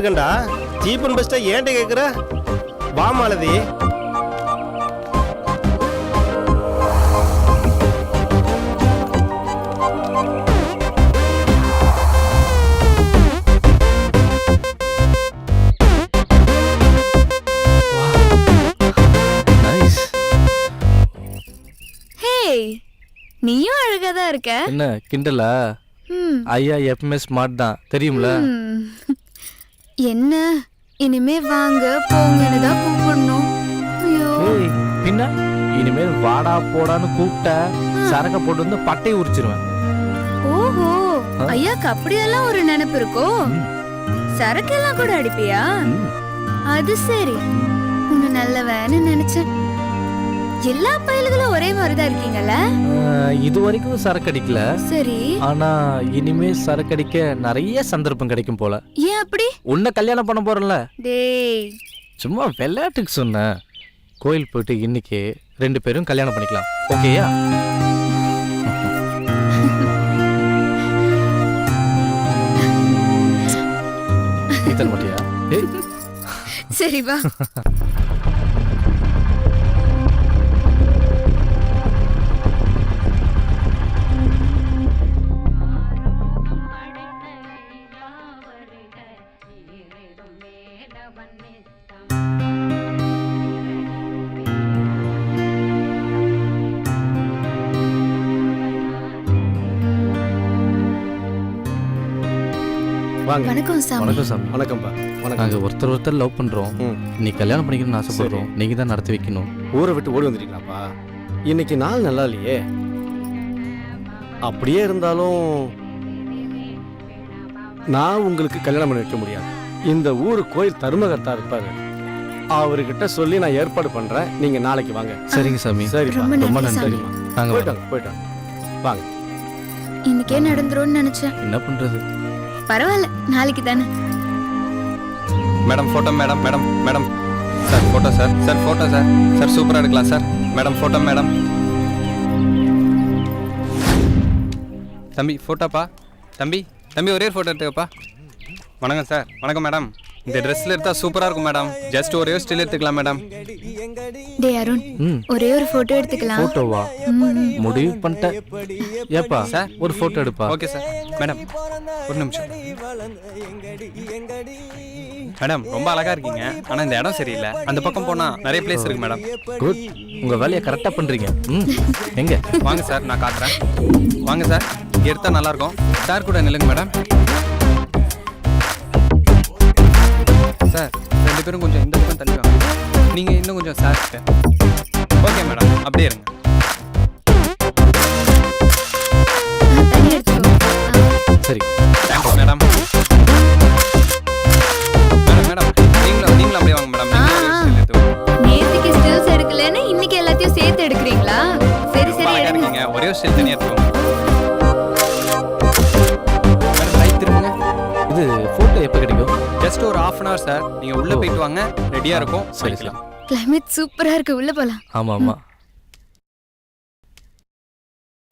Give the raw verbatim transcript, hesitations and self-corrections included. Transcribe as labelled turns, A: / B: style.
A: இருக்கேன்டா. Cheap and பெஸ்ட்டா ஏன்ட்ட கேட்குற? வா மாலதி.
B: நீயும் அழகா தான் இருக்க.
C: என்ன கிண்டலா? ஐயா எப்பவுமே ஸ்மார்ட் தான் தெரியும்ல.
B: என்ன இனிமே வாங்க போங்கன்னு தான் கூப்பிடணும். ஐயோ
C: பின்ன இனிமேல் வாடா போடான்னு கூப்பிட்ட சரக்க போட்டு வந்து பட்டையை உரிச்சிருவேன்.
B: ஓஹோ ஐயாக்கு அப்படியெல்லாம் ஒரு நினைப்பு இருக்கோ? சரக்கெல்லாம் கூட அடிப்பியா? அது சரி, உன்னை நல்லவன்னு நினைச்சேன். எல்லா பயல்களும் ஒரே மாதிரிதான் இருக்கீங்கல்ல?
C: இது வரைக்கும் சரக்கு அடிக்கல.
B: சரி,
C: ஆனா இனிமே சரக்கு அடிக்க நிறைய சந்தர்ப்பம் கிடைக்கும் போல.
B: ஏன் அப்படி?
C: உன்னை கல்யாணம் பண்ண போறல.
B: டேய்
C: சும்மா விளையாட்டுக்கு சொன்னேன். கோயில் போயிட்டு இன்னைக்கு ரெண்டு பேரும் கல்யாணம் பண்ணிக்கலாம், ஓகேயா? இதன் மட்டியா?
B: சரி வா. வணக்கம் சாமி.
C: வணக்கம் சாமி.
A: வணக்கம்பா. வணக்கம்.
C: நாங்கள் ஒருத்தர் ஒருத்தர் லவ் பண்ணுறோம். நீ கல்யாணம் பண்ணிக்கணும்னு ஆசைப்படுறோம். நீங்கள் தான் நடத்தி வைக்கணும்.
A: ஊரை விட்டு ஓடி வந்துட்டீங்களாப்பா? இன்னைக்கு நாள் நல்லா இல்லையே. அப்படியே இருந்தாலும் நான் உங்களுக்கு கல்யாணம் பண்ணி வைக்க முடியாது. இந்த ஊர் கோயில் தர்மகர்த்தா இருப்பாரு, அவர்கிட்ட சொல்லி நான் ஏற்பாடு பண்றேன். நீங்க நாளைக்கு வாங்க.
C: சரிங்க சாமி.
A: சரி,
C: ரொம்ப நன்றி. நாங்கள்
A: போயிட்டாங்க போயிட்டாங்க வாங்க.
B: இன்னைக்கே நடந்துரும்னு நினைச்சேன்.
C: என்ன பண்றது?
B: பரவாயில்ல, நாளைக்கு தானே.
D: Madam photo. Madam madam madam sir photo sir. Sir photo sir. Sir சூப்பராக எடுக்கலாம் சார். Madam photo. மேடம் தம்பி ஃபோட்டோப்பா. தம்பி தம்பி ஒரே ஃபோட்டோ எடுத்துக்கப்பா. வணக்கம் சார். வணக்கம் மேடம். இந்த ட்ரெஸ்ல எடுத்தா சூப்பரா இருக்கும் மேடம். ஜஸ்ட் ஒரே ஒரு ஸ்டில் எடுத்துக்கலாம் மேடம்.
B: டேய் அருண், ஒரே ஒரு போட்டோ எடுத்துக்கலாம்.
C: போட்டோவா? முடிவு பண்ணிட்டேன். ஏப்பா
D: சார்
C: ஒரு போட்டோ எடுப்பா.
D: Okay sir. மேடம் ஒரு நிமிஷம். மேடம் ரொம்ப அழகா இருக்கீங்க, ஆனா இந்த இடம் சரியில்லை. அந்த பக்கம் போனா நிறைய பிளேஸ் இருக்கு மேடம்.
C: குட், உங்க வேலையை கரெக்டா பண்றீங்க. எங்க
D: வாங்க சார், நான் காட்டுறேன். வாங்க சார், இங்க எடுத்தா நல்லா இருக்கும். சார் கூட நில்லுங்க மேடம். சார் ரெண்டு பேரும் கொஞ்சம் இந்த பக்கம் தள்ளி வாங்க. நீங்க இன்னும் கொஞ்சம் சார். ஓகே மேடம், அப்படியே இருங்க.
C: சரி
D: தேங்க்ஸ் மேடம். மேடம் மேடம் நீங்களும் நீங்களும் அப்படியே வாங்க மேடம்.
B: நேத்துக்கு ஸ்டில்ஸ் எடுக்கலன்னு இன்னைக்கு எல்லாத்தையும் சேர்த்து எடுக்கிறீங்களா? சரி சரி எடுங்க.
D: ஒரே ஒரு ஸ்டில் தனியா எடுத்துக்கோங்க. மேடம் ரைட் திரும்புங்க.
C: இது போட்டோ எப்போ கிடைக்கும்?
D: ஜஸ்ட் ஒரு ஹாஃப் அன் ஹவர் சார். நீங்க உள்ள போயிட்டு வாங்க, ரெடியா இருக்கும்.
C: சரி.
B: கிளைமேட் சூப்பரா இருக்கு, உள்ள போலாம்.
C: ஆமா ஆமா.